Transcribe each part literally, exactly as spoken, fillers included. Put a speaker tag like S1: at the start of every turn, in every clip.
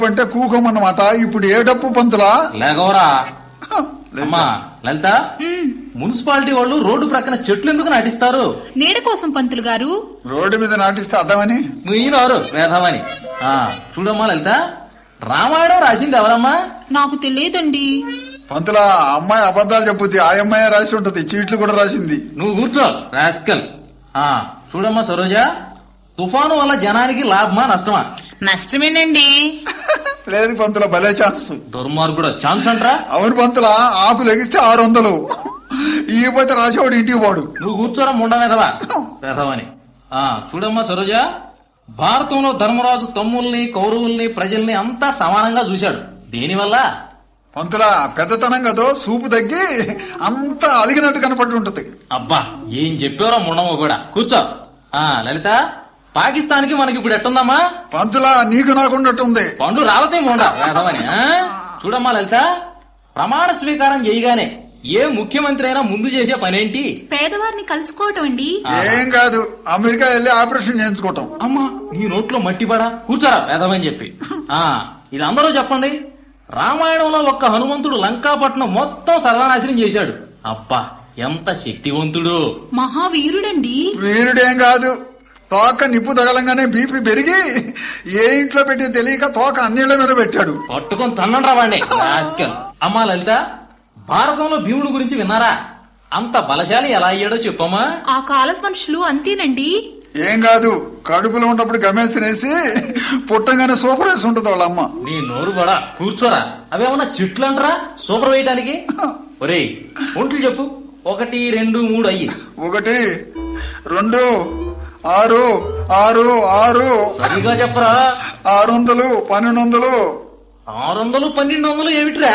S1: అంటే కూకోమన్నమాట. ఇప్పుడు ఏ డప్పు పంతులా?
S2: లేకవరా అమ్మా లలిత, మున్సిపాలిటీ వాళ్ళు రోడ్డు ప్రక్కన చెట్లు ఎందుకు నాటిస్తారు?
S3: నీడ కోసం పంతులు గారు.
S1: రోడ్డు మీద నాటిస్తే అర్థమని
S2: మీరెవరు వేధమని. ఆ చూడమ్మా లలిత, రామాయణం రాసింది ఎవరమ్మా?
S3: నాకు తెలియదండి.
S1: పంతులా, అమ్మాయి అబద్ధాలు చెప్పుద్ది. ఆ అమ్మాయి రాసి ఉంటది, చీట్లు కూడా రాసింది.
S2: నువ్వు కూర్చో రాస్కల్. ఆ చూడమ్మా సరోజ, తుఫాను వల్ల జనానికి లాభమా నష్టమా?
S4: నష్టమేనండి.
S1: లేదు పంతుల, భలే ఛాన్స్.
S2: దుర్మార్గుడు ఛాన్స్ అంటరా?
S1: అవును పంతులా, ఆపు లెగిస్తే ఆరు వందలు ఈ పోతే రాసేవాడు ఇంటికి పోడు.
S2: నువ్వు కూర్చోరా ముండ మీదవా వేధమని. ఆ చూడమ్మా సరోజ, భారతంలో ధర్మరాజు తమ్ముల్ని కౌరవుల్ని ప్రజల్ని అంతా సమానంగా చూశాడు. దేనివల్ల?
S1: పంతులా, పెద్దతనం కదో సూపు తగ్గి అంతా అలిగినట్టు కనపడి ఉంటది.
S2: అబ్బా ఏం చెప్పారో ముండమ్మ కూడా. కూర్చో. ఆ లలిత, పాకిస్తాన్ కి మనకి ఇప్పుడు ఎట్టుందమ్మా?
S1: పంతులా, నీకు నాకున్నట్టుంది.
S2: పండు రాలతే ముండ వేధమని. చూడమ్మా లలిత, ప్రమాణ స్వీకారం చేయగానే ఏ ముఖ్యమంత్రి అయినా ముందు చేసే పనేంటి?
S3: పేదవారిని కలుసుకోవటం అండి.
S1: ఏం కాదు, అమెరికా వెళ్ళి ఆపరేషన్ చేయించుకోవటం.
S2: అమ్మా నీ నోట్లో మట్టి పడా. కూర్చోరా వేధమని చెప్పి. ఆ ఇది అందరూ చెప్పండి. రామాయణంలో ఒక్క హనుమంతుడు లంకాపట్నం మొత్తం సర్వనాశనం చేశాడు. అబ్బా ఎంత శక్తివంతుడు!
S3: మహావీరుడండి.
S1: వీరుడేం కాదు, తోక నిప్పు తగలంగానే బీపీ పెరిగి ఏ ఇంట్లో పెట్టి తెలియక తోక అన్నిళ్ల మీద పెట్టాడు.
S2: పట్టుకొని తన్నండ్రా వాడిని. అమ్మా లలిత, భారతంలో భీముడు గురించి విన్నారా? అంత బలశాలి ఎలా అయ్యాడో చెప్పమ్మా.
S3: ఆ కాలపు మనుషులు అంతేనండి.
S1: ఏం కాదు, కడుపులో ఉన్నప్పుడు గమేసినేసి పుట్టంగానే సూపర్ వేసి ఉంటది వాళ్ళ అమ్మ.
S2: నీ నోరు బడా. కూర్చోరా. అవేమన్నా చెట్లు అంటరా సూపర్ వేయటానికి? ఒరేయ్ ఒంట్లు చెప్పు. ఒకటి రెండు మూడు అయ్యి.
S1: ఒకటి రెండు ఆరు ఆరు ఆరు
S2: సరిగా చెప్పరా.
S1: ఆరు వందలు పన్నెండు వందలు.
S2: ఆరు వందలు పన్నెండు వందలు ఏమిట్రా?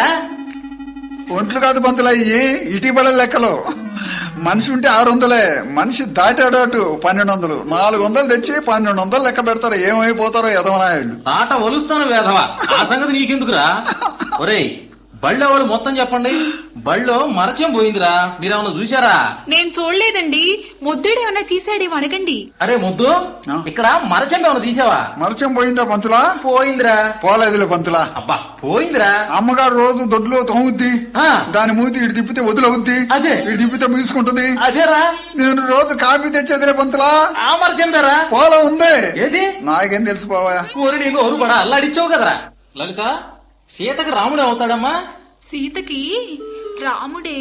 S1: ఒంట్లు కాదు పంతులు, అయ్యి ఇటీవల లెక్కలు. మనిషి ఉంటే ఆరు వందలే, మనిషి దాటాడు అటు పన్నెండు వందలు. నాలుగు వందలు తెచ్చి పన్నెండు వందలు లెక్క పెడతారు. ఏమైపోతారో ఎదవనాయుడు.
S2: తాట ఒలుస్తాను వేధవా. ఆ సంగతి నీకెందుకురా? ఒరేయ్ బళ్ళో వాళ్ళు మొత్తం చెప్పండి. బళ్ళో మరచం పోయిందిరా, మీరేమన్నా చూసారా?
S3: నేను చూడలేదండి. ముద్దుడు ఏమన్నా తీసాడేమో అడగండి.
S2: అరే ముద్దు, ఇక్కడ మరచం ఏమన్నా తీసావా?
S1: మరచం పోయిందా పంతులా?
S2: పోయిందిరా.
S1: పోలేదులే పంతులా.
S2: అబ్బా పోయిందిరా.
S1: అమ్మగారు రోజు దొడ్లో తోముద్ది,
S2: ఆ.
S1: దాని మూతి ఇటు తిప్పితే వదిలవుద్ది,
S2: అదే.
S1: ఇటు తిప్పితే ముసుకుంటది.
S2: అదేరా,
S1: నేను రోజు కాఫీ తెచ్చేదిలే పంతులా.
S2: ఆ మరచం దారా?
S1: పోలా ఉంది.
S2: ఏది?
S1: నాకేం తెలిసిపోవా.
S2: ఊరి నీకు ఊరు పడా అల్లాడిచ్చావు కదరా. లలిత, సీతకు రాముడే అవుతాడమ్మా?
S3: సీతకి రాముడే.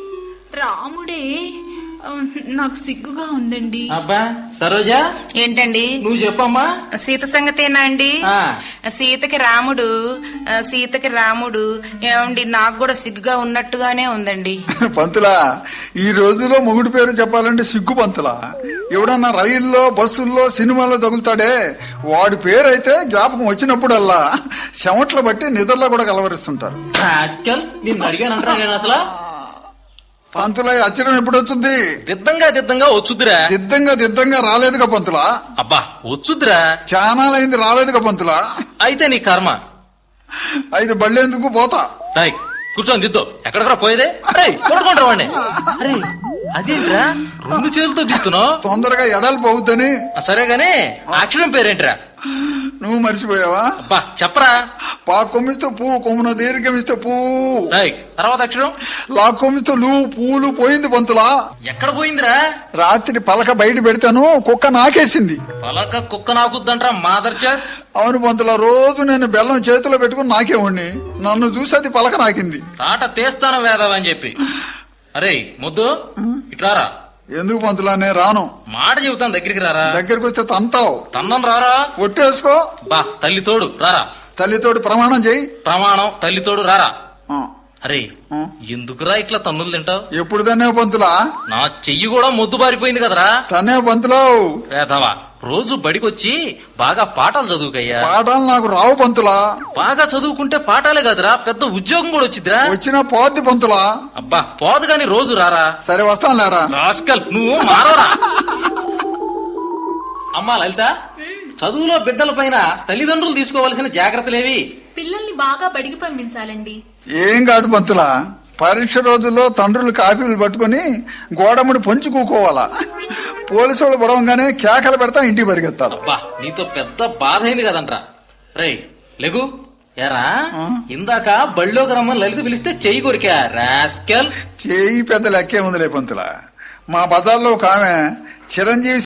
S3: రాముడే. ఆ, నాకు సిగ్గుగా ఉందండి.
S2: అబ్బా సరోజా,
S4: ఏంటండి?
S2: నువ్వు చెప్పమ్మా.
S4: సీత సంగతేనా అండి?
S2: ఆ.
S4: సీతకి రాముడు. ఆ, సీతకి రాముడు. ఏమండి, నాకు కూడా సిగ్గుగా ఉన్నట్టుగానే ఉందండి.
S1: పంతులా, ఈ రోజులో మొగుడు పేరు చెప్పాలంటే సిగ్గు పంతులా. ఎవడన్నా రైల్లో బస్సుల్లో సినిమాల్లో తగులుతాడే, వాడి పేరు అయితే జ్ఞాపకం వచ్చినప్పుడల్లా చెమట్లు బట్టి నిద్రలో కూడా కలవరిస్తుంటారు.
S2: నిన్ను అడిగానంటారా నేను అసలు?
S1: పంతులా, అచ్చరం ఎప్పుడు వచ్చింది?
S2: దిద్దంగా దిద్దంగా వచ్చుద్దిరా.
S1: దిద్దంగా దిద్దంగా రాలేదుగా పంతులా.
S2: అబ్బా వచ్చుద్దిరా.
S1: చానాలైంది రాలేదుగా పంతులా.
S2: అయితే నీ కర్మ.
S1: అయితే బళ్ళేందుకు పోతా.
S2: రాయ్ కూర్చొని దిద్దు. ఎక్కడికరా పోయేదే? చూడకుండా వాడిని. అరే అదేంట్రా రెండు చేతులతో దిద్దుతున్నావు?
S1: తొందరగా ఎడలు పోవద్దని.
S2: సరే గాని అక్షరం పేరేంట్రా?
S1: నువ్వు మర్చిపోయావా?
S2: అబ్బా చెప్పరా.
S1: పా కొమ్మిస్తే పూ, కొమ్మున దీర్ఘమిస్తే పూ.
S2: రాయ్ తర్వాత అక్షరం?
S1: లా కొమ్మిస్తే లూ, పూలు. పోయింది పంతులా.
S2: ఎక్కడ పోయిందిరా?
S1: రాత్రి పలక బయట పెడతాను, కుక్క నాకేసింది.
S2: పలక కుక్క నాకుద్దంట్రా మాదర్చా.
S1: అవును పంతులా, రోజు నేను బెల్లం చేతిలో పెట్టుకుని నాకేవాడిని. నన్ను చూసి అది పలక నాకింది.
S2: తాట తీస్తాను వేదవని చెప్పి. అరే ముద్దు ఇట్లారా.
S1: ఎందుకు పంతులా? నేను రాను.
S2: మాట చెబుతాను, దగ్గరికి రారా.
S1: దగ్గరికి వస్తే తంతావు.
S2: తందం రారా.
S1: ఒట్టేసుకో.
S2: బా తల్లి తోడు రారా.
S1: తల్లితోటి ప్రమాణం చెయ్యి.
S2: ప్రమాణం తల్లి తోడు రారా.
S1: ఆ,
S2: అరే
S1: ఆ.
S2: ఎందుకురా ఇట్లా తన్నులు తింటావు?
S1: ఎప్పుడు తనే పంతులా?
S2: నా చెయ్యి కూడా మొద్దు బారిపోయింది కదరా.
S1: తనే పంతులావు.
S2: వేదవా, రోజు బడికొచ్చి బాగా పాఠాలు చదువుకయ్యా.
S1: పాఠాలు నాకు రావు పంతులా.
S2: బాగా చదువుకుంటే పాఠాలే కదరా, పెద్ద ఉద్యోగం కూడా వచ్చిద్దిరా.
S1: వచ్చినా పోద్ది పంతులా.
S2: అబ్బా పోదు గాని రోజు రారా.
S1: సరే వస్తాను లేరా.
S2: రాస్కల్ నువ్వు మారవరా. అమ్మా లలిత, చదువులో బిడ్డల పైన తల్లిదండ్రులు తీసుకోవాల్సిన జాగ్రత్తలేవి?
S3: పిల్లల్ని బాగా బడికి పంపించాలండి.
S1: ఏం కాదు పంతులా, పరీక్ష రోజుల్లో తండ్రులు కాఫీలు పట్టుకుని గోడముడి పొంచి కూకోవాలా. పోలీసు వాళ్ళు పడవంగానే కేకలు పెడతా ఇంటికి పరిగెత్తాలి.
S2: అబ్బా నీతో పెద్ద బాధ అయింది కదంట్రా. రేయ్ లెగు ఎరా
S1: ఆ?
S2: ఇందాక బళ్ళోకి రమ్మని లలిత పిలిస్తే చెయ్యి కొరికా రాస్కెల్.
S1: చేయి పెద్ద లెక్కే ఉందిలే పంతులా. మా బజార్లో ఒక ఆమె చిరంజీవి